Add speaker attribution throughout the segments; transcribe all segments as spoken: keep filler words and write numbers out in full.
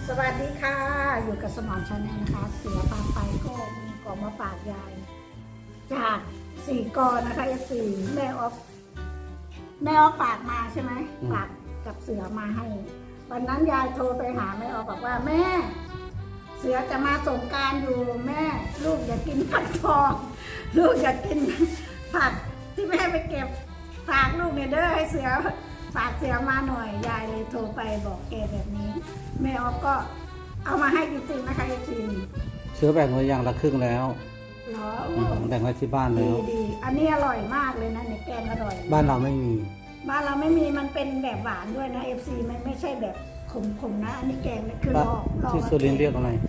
Speaker 1: สวัสดีค่ะอยู่กับสมอนชาแนลนะคะเสือพาไปก็มีกล่องมาฝากยายจากสี่กอนะคะเอฟซีแม่ออฟแม่ออฟฝากมาใช่ไหมฝากกับเสือมาให้วันนั้นยายโทรไปหาแม่ออฟบอกว่าแม่เสือจะมาส่งการอยู่แม่ลูกอยากกินผักทองลูกอยากกินผักที่แม่ไปเก็บฝากลูกเนี่ยเด้อให้เสือฝากเสือมาหน่อยยายเลยโทรไปบอกแกแบบนี้แม่ออฟก็เอามาให้จริงๆนะคะจริง
Speaker 2: เชื้อแบ่งไว้อย่างละครึ่งแล้ว
Speaker 1: เหรอ
Speaker 2: แบ่งไว้ที่บ้านแล้ว
Speaker 1: ดีดีอันนี้อร่อยมากเลยนะในแกงอร่อย
Speaker 2: บ้านเราไม่มี
Speaker 1: บ้านเราไม่มีมันเป็นแบบหวานด้วยนะเอฟซีมันไม่ใช่แบบขมๆนะอันนี้แกงนี่คือลอกลอก
Speaker 2: ที่สุรินทร์เรียกอะไร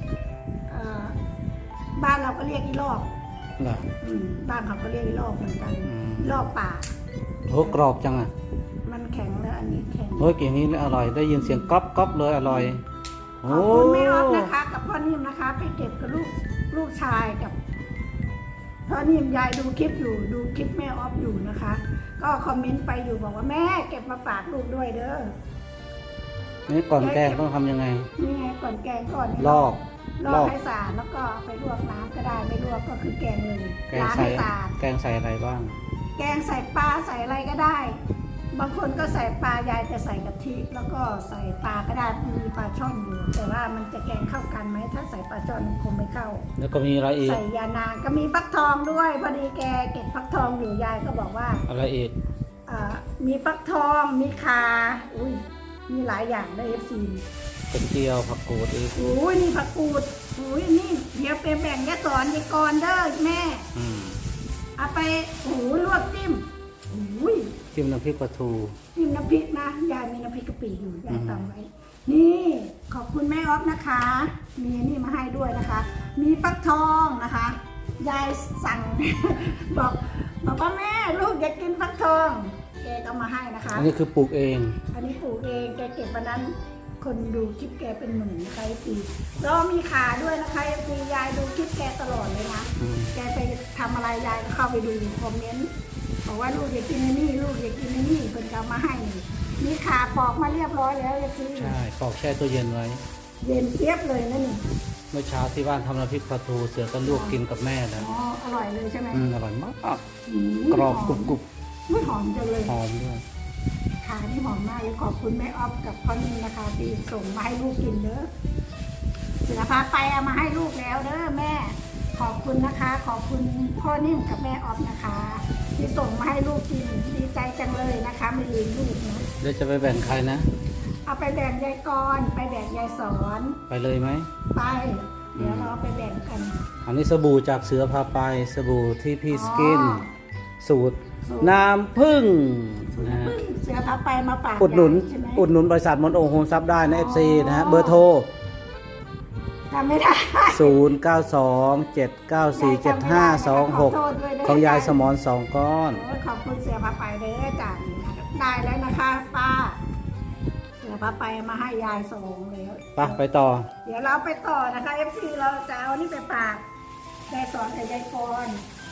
Speaker 1: บ้านเราก็เรียกอีลอก
Speaker 2: เหรอ
Speaker 1: บ้านเขาก็เรียกอีลอกเหมือนกันลอกป่า
Speaker 2: โหกรอบจังอ่ะ
Speaker 1: มันแข็งแล้วอันนี้แข็ง
Speaker 2: โอ้ยอย่างนี้อร่อยได้ยินเสียงก๊อบก๊อบเลยอร่อย
Speaker 1: ขอบคุณแม่ออฟนะคะกับพ่อนิ่มนะคะไปเก็บกับลูกลูกชายกับพ่อนิ่มยายดูคลิปอยู่ดูคลิปแม่ออฟอยู่นะคะก็คอมเมนต์ไปอยู่บอกว่าแม่เก็บมาฝากลูกด้วยเด้อ
Speaker 2: นี่ก่อนแกงต้องทำยังไง
Speaker 1: นี่ไงก่อนแกงก่อน
Speaker 2: ลอก
Speaker 1: ลอกให้สะอาดแล้วก็ไปลวกน้ำก็ได้ไม่ลวกก็คือแกงเลยล้างให้สะอาด
Speaker 2: แกงใส่อะไรบ้าง
Speaker 1: แกงใส่ปลาใส่อะไรก็ได้บางคนก็ใส่ปลายายจะใส่กะทิแล้วก็ใส่ปลาก็ได้มีปลาช่อนอยู่แต่ว่ามันจะแกงเข้ากันไหมถ้าใส่ปลาช่อนมันคงไม่เข้า
Speaker 2: แล้วก็มีอะไรอีก
Speaker 1: ใส่ยานางก็มีฟักทองด้วยพอดีแกเก็บฟักทองอยู่ยายก็บอกว่า
Speaker 2: อะไรอีก
Speaker 1: อ่ามีฟักทองมีคาอุ้ยมีหลายอย่างเลยเอฟซี
Speaker 2: กระเจียวผักกูดอีก
Speaker 1: อุ้ยนี่ผักกูดอุ้ยนี่เดี๋ยวไปแบ่งยาสอนยายกรเด้อแม่เอาไปโอ้ลวกจิ้มอุ้ย
Speaker 2: จิ้มน้ำพริกปลาทู
Speaker 1: จิ้มน้ำพริกนะยายมีน้ำพริกกะปิอยู่ยายตำไว้นี่ขอบคุณแม่ออฟนะคะมีนี่มาให้ด้วยนะคะมีฟักทองนะคะยายสั่งบอกบอกว่าแม่ลูกอยากกินฟักทองแกก็มาให้นะคะ
Speaker 2: อันนี้คือปลูกเอง
Speaker 1: อันนี้ปลูกเองแกเก็บวันนั้นคนดูคลิปแกเป็นหมื่นนะคะปีแล้วมีขาด้วยนะคะปียายดูคลิปแกตลอดเลยนะแกไปทำอะไรยายก็เข้าไปดูคอมเมนต์บอกว่าลูกอยากกินนี่ลูกอยากกินนี่เพิ่นเอามาให้มีขาปอกมาเรียบร้อยแล้วยายปี
Speaker 2: ใช่ปอกแช่ตัวเย็นไว้
Speaker 1: เย็นเทียบเลยนั่นนี่
Speaker 2: เมื่อเช้าที่บ้านทำน้ำพริกปลาทูเสือก็ลวกกินกับแม่นะ
Speaker 1: อ๋ออร่อยเลยใช่ไหม
Speaker 2: อืมอร่อยมากกรอบกรุบกรุบ
Speaker 1: ไม่หอมจังเลย
Speaker 2: หอมด้วย
Speaker 1: ขาที่หอมมากเลยขอบคุณแม่ออฟกับพ่อนิ่มนะคะที่ส่งมาให้ลูกกินเด้อเสือพาไปเอามาให้ลูกแล้วเด้อแม่ขอบคุณนะคะขอบคุณพ่อนิ่มกับแม่ออฟนะคะที่ส่งมาให้ลูกกินดีใจจังเลยนะคะไม่ลืมลูกนะ
Speaker 2: เดี๋ยวจะไปแบ่งใครนะ
Speaker 1: เอาไปแบ่งยายกรไปแบ่งยายสอน
Speaker 2: ไปเลยไหม
Speaker 1: ไปเดี๋ยวเราไปแบ่งกัน
Speaker 2: อันนี้สบู่จากเสือพาไปสบู่ที่พี่สกินสูตรน้ำผึ้ง
Speaker 1: นะเสือพาไปมาฝาก
Speaker 2: อุดหนุนอุดหนุนบริษัทมอนโอโฮมซับได้นะ เอฟ ซี นะฮะเบอร์โทร
Speaker 1: จำไม่ได้
Speaker 2: ศูนย์ เก้า สอง เจ็ด เก้า สี่ เจ็ด ห้า สอง หกของยายสมรสองก้อน
Speaker 1: ขอบคุณเสือพาไปเด้อจ้ะได้แล้วนะคะป้าเสือพาไปมาให้ยายส่งแล้ว
Speaker 2: ไปไปต่อ
Speaker 1: เดี๋ยวเราไปต่อนะคะ เอฟ ซี เราจะเอานี่ไปฝากยายสอนกับยายกร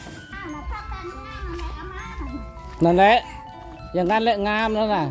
Speaker 2: นั่นแหละอย่างนั้นแหละงามแล้วน่ะ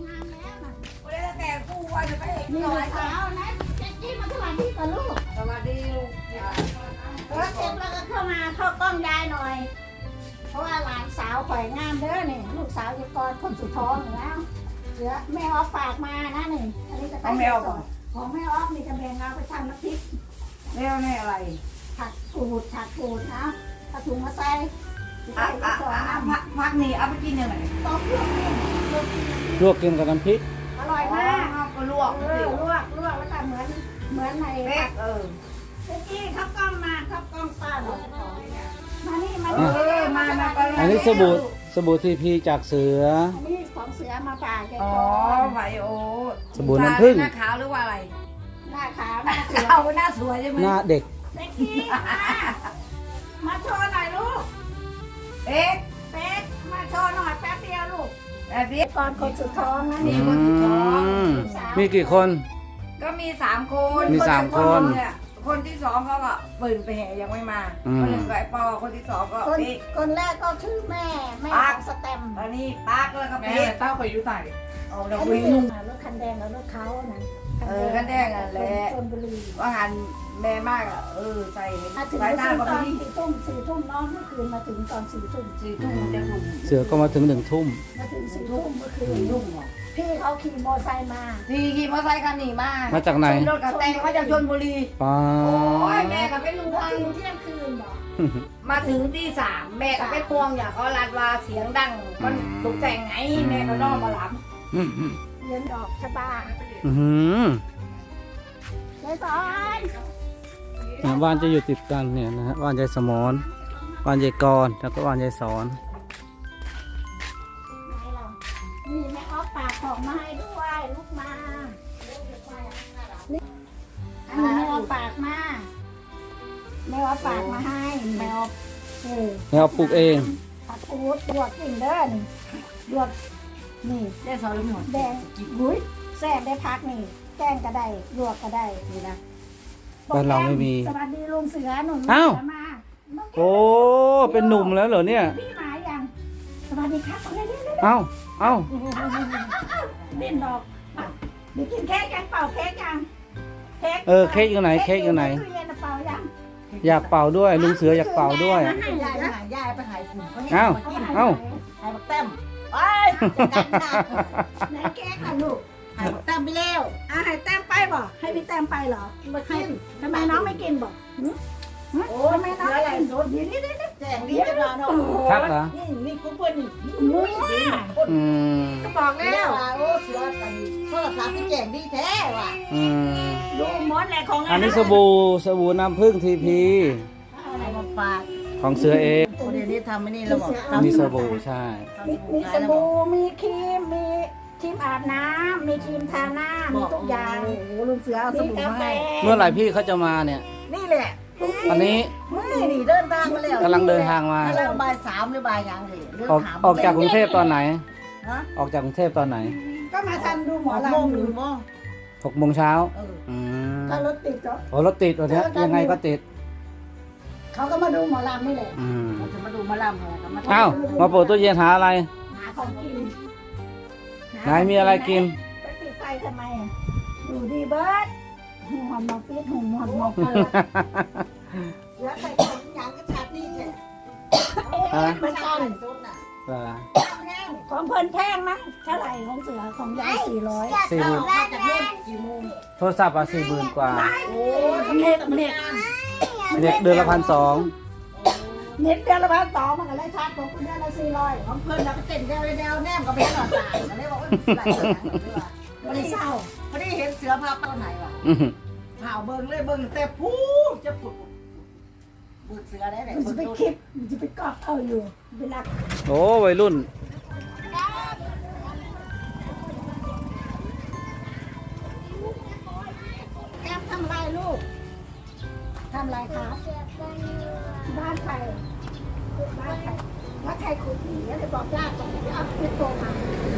Speaker 1: นี่ลูกสาวนะเจ๊กี้มาสวัสดีกับลูก
Speaker 3: สวัสดีลูก
Speaker 1: เออเก็บแล้วก็เข้ามาเข้ากล้องยายหน่อยเพราะว่าหลานสาวข่อยงามเด้อเนี่ยลูกสาวยายกรคนสุดท้องอยู่แล้วเสือแม่ออฟฝากมานะนี่อันนี้จะ
Speaker 3: ของแม่ออฟ
Speaker 1: ของแม่ออฟนี่จะแบ่งเอาไปทำน้ำพริก
Speaker 3: แม่แม่อะไร
Speaker 1: ผักกูดผักกูดนะกระถุงมาใส่
Speaker 3: อ่ะอ่ะอ่ะพักพักนี่เอาไปกินยังไง
Speaker 1: ต้มลวกกิน
Speaker 2: ลวกกินกับน้ำพริก
Speaker 1: อร่อยมาก
Speaker 3: ก็ลวก
Speaker 1: เออลวกลวกแล้วก็เหมือนเหมือนใน
Speaker 3: ผักเออ
Speaker 1: เจ๊กี้ข้าวกล้องมาข้าวกล้องป้าหน่อยมานี่มา
Speaker 3: เออมามาก็
Speaker 2: อันนี้สบู่สบู่ทีพีจากเสือ
Speaker 1: อันนี้ของเสือมาฝากแก
Speaker 3: อ๋อไวโอ
Speaker 2: สบู่น้ำผึ้ง
Speaker 3: หน้าขาวหรือว่าอะไร
Speaker 1: หน้าขาวหน้าสวย
Speaker 3: เอาหน้าสวยใช่ไหม
Speaker 2: หน้าเด็ก
Speaker 1: เจ๊กี้มาโชว์หน่อยลูก
Speaker 3: เอ๊ะ
Speaker 1: เป๊กมาโชว์หน่อยแป๊บเดียวลูก
Speaker 3: แป๊บเดียว
Speaker 1: ก่อนคนสุดท้องนะ
Speaker 3: นี่คนสุดท้อง
Speaker 2: มีกี่คน
Speaker 3: ก็มีสามคน
Speaker 2: มีสามคน
Speaker 3: คนที่สองเขาก็ปืนไปแห่ยังไม่มาคนหนึ่งก็ไอ้ปอคนที่สองก็
Speaker 1: เป๊กคนแรกก็ชื่อแม่แม่สแตม
Speaker 3: อันนี้ปาร์กแล้วก็
Speaker 4: แม่เต้าคอยยุ่ใส่
Speaker 3: เอาเรา
Speaker 1: วิ่งรถคันแดงแล้วรถเขานะ
Speaker 3: เออคันแดงอ่ะแหละ
Speaker 1: นบุรี
Speaker 3: ว่างานแม่มากอ่ะเออใส่
Speaker 1: มาถึง
Speaker 3: สายตา
Speaker 1: ต
Speaker 3: ก็
Speaker 1: อน
Speaker 3: ไม่
Speaker 1: สี่ทุ่มสี่ทุ่มนอนเมื่อคืนมาถึงตอนสี่ทุ่ม
Speaker 3: สี่ทุ่มจะหนุ่ม
Speaker 2: เสือก็มาถึงหนึ่งทุ่ม
Speaker 1: มาถึงสี่ทุ่มเมื่อคืน
Speaker 3: ยุ่งเหรอ
Speaker 1: พี่เขาขี่มอไซค์มา
Speaker 3: พี่ขี่มอเตอร์ไซค์คันนี้มา
Speaker 2: มาจากไหน
Speaker 3: ขี่รถกับแตงมาจากชลบุรี
Speaker 2: ป้า
Speaker 3: โอ้ยแม่ก็เป็นลุง
Speaker 1: มา
Speaker 3: ทาง
Speaker 1: ถึงเที่ยงคืนบอก
Speaker 3: มาถึงที่สามแม่ก็เป็นห่วงอย่างเขาลัดว่าเสียงดังมันตกแต่งไงแม่ก็นอนมาหลับ
Speaker 2: อืมอืม
Speaker 1: เรียนดอกชะบา
Speaker 2: อื้อหือ
Speaker 1: เลยสอน
Speaker 2: เนี่ยบ้านจะอยู่ติดกันเนี่ยนะฮะบ้านยายสมอนบ้านยายกรแล้วก็บ้านยายสอน
Speaker 1: ไหนเรานี่แม่ออฟปากของมาให้ด้วยลูกมานี่อันนี้แม่ออฟปากมาแม่ออฟปากมาให้แม่ออฟเออ
Speaker 2: แล้วปลูกเอง
Speaker 1: ผักอูดดวกกิ่งเด้อนี่ดวกนี่
Speaker 3: ได้สอนลูกหนู
Speaker 1: แดงหุ้ยแซ่บได้พักนี่แกงก็ได้ลวกก็ได้นี่นะ
Speaker 2: บ้านเราไม่มี
Speaker 1: สวัสดีลุงเสือหนุน
Speaker 2: อ้าว
Speaker 1: เสือมาน้งแก้ว
Speaker 2: โอ้เป็นหนุ่มแล้วเหรอเนี่ย
Speaker 1: พี่หมายังสวัสดีครับเอาเลยเร็ว
Speaker 2: เอ้าเอ้า
Speaker 1: ๆเด่นดอกอ่ะเดี๋ยวกินเค้กยังเป่าเค้กยังเค้ก
Speaker 2: เออเค้กอยู่ไหนเค้กอยู่ไหน
Speaker 1: ตู้เย็นน่ะเป่ายัง
Speaker 2: อยากเป่าด้วยลุงเสืออยากเป่าด้วย
Speaker 1: ให้ยาย
Speaker 3: ยายไป
Speaker 1: นะ
Speaker 3: หายายไปหายฝุ่นเขาเนี่ย
Speaker 2: เอ้า
Speaker 3: มากิน
Speaker 2: เอ้า
Speaker 3: หายบักแต้มไปจัดการนะ
Speaker 1: ไหนเค้กอ่ะลูก
Speaker 3: หายบักแต้มไปแล้ว
Speaker 1: อ่ะให้แต้มไปบ่ให้พี่แต้มไปเหรอ
Speaker 3: มา
Speaker 1: ให้
Speaker 3: กิน
Speaker 1: ทำไมน้องไม่กินบ่หึหึ
Speaker 3: โอ้
Speaker 1: ทำไมน้อง
Speaker 3: เสือ
Speaker 1: ไม่
Speaker 3: อะไร
Speaker 1: กิน
Speaker 3: โซด
Speaker 1: เดี๋ยวนี้เดี๋ยวนี้
Speaker 3: แจงดีจะนอนเนาะ
Speaker 2: ชักเหรอ
Speaker 3: นี่นี่กูเพื่อนนี่
Speaker 1: มุ้ย
Speaker 2: อืม
Speaker 1: ก็บอก
Speaker 3: แล้
Speaker 1: แล้ว ว
Speaker 3: โอ้เสือกันโทรศัพท์ที่แจงดีแท้ว่ะ
Speaker 2: อืม
Speaker 1: ดูหมดแหละของ
Speaker 2: อันนี้สบู่สบู่น้ำผึ้งทีพี
Speaker 3: อะไรมาฝาก
Speaker 2: ของเสือเอง
Speaker 3: เดี๋ยวนี้ทำไม่นี่แล้วบอก
Speaker 2: มีสบู่ใช่
Speaker 1: มีมีสบู่มีครีมมีครีมอาบน้ำมีครีมทาหน้ามีทุกอย่าง
Speaker 3: โอ้โหลุงเสือเอาส
Speaker 1: มี
Speaker 3: บู่
Speaker 1: กา
Speaker 3: มา
Speaker 1: แฟ
Speaker 3: ให้
Speaker 2: เมื่อไหร่พี่เขาจะมาเนี่ย
Speaker 3: นี่แหละ
Speaker 2: อันนี้
Speaker 3: มึงนี่นี่เดินทางมาแล้ว
Speaker 2: กำลังเดินทางมา
Speaker 3: แล้วบ่ายสามหรือบ่ายยังเลยเรื่อง
Speaker 2: ออก
Speaker 3: ถาม
Speaker 2: ออกจากกรุงเทพตอนไหน
Speaker 3: ฮะ
Speaker 2: ออกจากกรุงเทพตอนไหน
Speaker 1: ก็มาทันดูหมอ
Speaker 3: หกโมง
Speaker 1: ลำ
Speaker 3: ห
Speaker 1: อ
Speaker 3: นึ่
Speaker 1: ยู่
Speaker 3: งโมง
Speaker 2: หกโมงเช้า
Speaker 3: เออ
Speaker 2: อืม
Speaker 1: ก็รถติดก็
Speaker 2: โอ้รถติดวันนี้ยังไงก็ติด
Speaker 1: เขาก็มาดูหมอลำนี่แหละ
Speaker 2: อืม
Speaker 3: เราจะมาดูมาลำเหรอมา
Speaker 2: อ้าวมาเปิดตู้เย็นหาอะไร
Speaker 1: หาของกิน
Speaker 2: ไหนมีอะไรกิน
Speaker 1: ไปปิดไฟทำไมอ่ะดูดีเบิร์ดหัวหมอปิดหัวหมอหมอเปิด
Speaker 3: แล้วใส่ของยางก็ชัดนี่แท้
Speaker 1: เอ๊ะเหมือนกัน
Speaker 3: สุดน่ะ
Speaker 2: เหรอ
Speaker 1: ของเพิ่นแพงนะเท่าไหร่ของเสือของยายสี่ร้อย
Speaker 2: สี่หมื่น
Speaker 3: มาจากนู่นกี่โมง
Speaker 2: โทรศัพท์อ่ะสี่หมื่นกว่า
Speaker 3: โอ้
Speaker 1: เน็ตเน็ต
Speaker 2: เด็กเดือนละพันสอง
Speaker 1: เน็ตเดือนละพันสองมันก็เลยชาร์จผมเดือนละสี่ร้อย
Speaker 3: ของเพิ่นเราก็เต้นแดวแดวแนมก็ไปหลอดตายก็เลยบอกว่าไหลหลังเลยว่ะ
Speaker 1: ไม่ได้เศร้า
Speaker 3: พอดีเห็นเสือพาเป้าไหนวะ
Speaker 2: อื้อหือ
Speaker 3: ข่าวเบิ่งเลยเบิ่งแต่พูจะปุดปุดเสือได้ไหน
Speaker 1: มันจะไปคลิปมันจะไปกอบเอาอยู่เวลา
Speaker 2: โอ้วัยรุ่น
Speaker 1: แก้มทำอะไรลูกทำอะไรคะบ้านใครบ้านใครว่าใครขุดหนีเลยบอกญาติตรงนี้เอาไปโตมา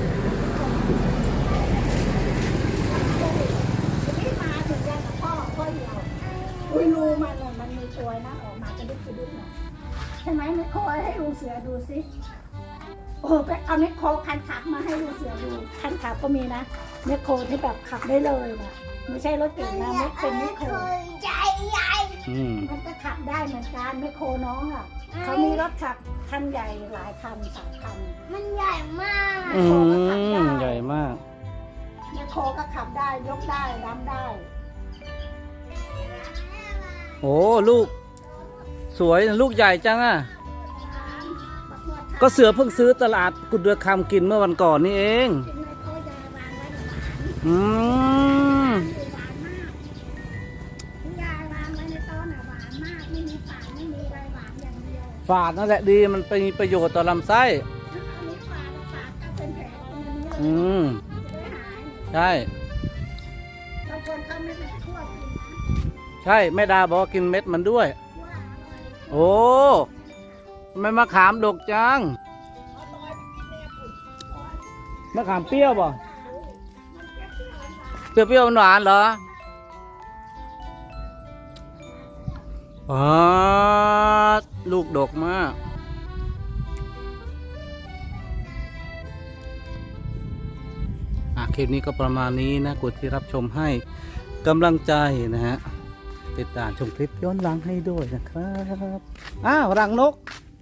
Speaker 1: ที่มาถึงยายกับพ่อพ่อเดียวอุ้ยรูมันน่ะมันมีตัวนะออกมากระดุกกระดุกหน่อยใช่ไหมไม่โคยให้ลุงเสือดูสิโอ้โหไปเอาเน็กโคคันขับมาให้ลุงเสือดูคันขับก็มีนะเน็กโคที่แบบขับได้เลยนะไม่ใช่รถเก่งนะไม่เป็นเน็กโค
Speaker 2: อืม
Speaker 1: มันก็ขับได้เหมือนกันเน็กโคน้องอ่ะเขามีรถขับคันใหญ่หลายคันสามคัน
Speaker 4: มันใหญ่มาก
Speaker 2: อืมใหญ่มาก
Speaker 1: เน็กโคก็ขับได้ยกได้รับได้
Speaker 2: โอ้ลูก สวยนะลูกใหญ่จังอ่ะ ก็เสือเพิ่งซื้อตลาดกุดเดือคำกินเมื่อวันก่อนนี่เอง
Speaker 1: กินเน็กโคยายวางไว้หวาน
Speaker 2: อืม
Speaker 1: หวานมากยายวางไว้ในโต๊ะน่ะหวานมากไม่มีฝาดไม่มีอะไรหวานอย่างเดียว
Speaker 2: ฝาดนั่นแหละดีมันเป็นประโยชน์ต่อลำไส้
Speaker 1: อันนี้ฝาดฝาดก็เป็นแผลเป็นอันนี้เลย
Speaker 2: อืม
Speaker 1: จะได้หาย
Speaker 2: ใช่
Speaker 1: บางคนเขาไม่ได้คั่วกินนะ
Speaker 2: ใช่แม่ดาบอกว่ากินเม็ดมันด้วย
Speaker 1: คั่วอร่อย
Speaker 2: โอ้ทำไมมะขามดกจังมะขามเปรี้ยวป่ะเปรี้ยวเปรี้ยวหวานๆเหรออ๋อลูกดกมากอ่ะคลิปนี้ก็ประมาณนี้นะกดที่รับชมให้กำลังใจนะฮะติดตามชมคลิปย้อนหลังให้ด้วยนะครับอ้าวรังนก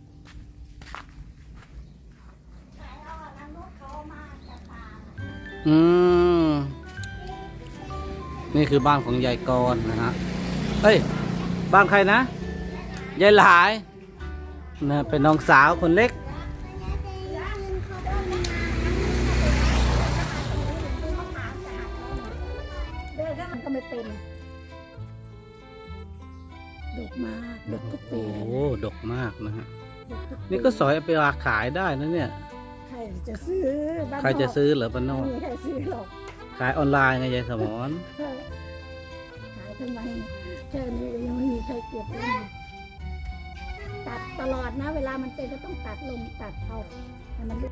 Speaker 2: อืมนี่คือบ้านของยายกรนะฮะเอ้ยบ้านใครนะยายหลายนะเป็นน้องสาวคนเล็ก
Speaker 1: เด็กก็มันก็ไม่เป็นดกมากดกทุกปี
Speaker 2: โอ้
Speaker 1: เลย
Speaker 2: โห
Speaker 1: นะ
Speaker 2: ดกมากนะฮะ
Speaker 1: ดกทุปี
Speaker 2: นี่ก็สอยเอาไปวางขายได้นะเนี่ย
Speaker 1: ใครจะซื้อบ้าน
Speaker 2: ใครจะซื้อเหรอปานโน
Speaker 1: ไม่มีใครซื้อหรอก
Speaker 2: ขายออนไลน์ไงยายสมร
Speaker 1: ขายทำไมแค่นี้ยังไม่มีใครเก็บเลยตัดตลอดนะ เวลามันเป็นก็ต้องตัดลงตัดเอาให้มัน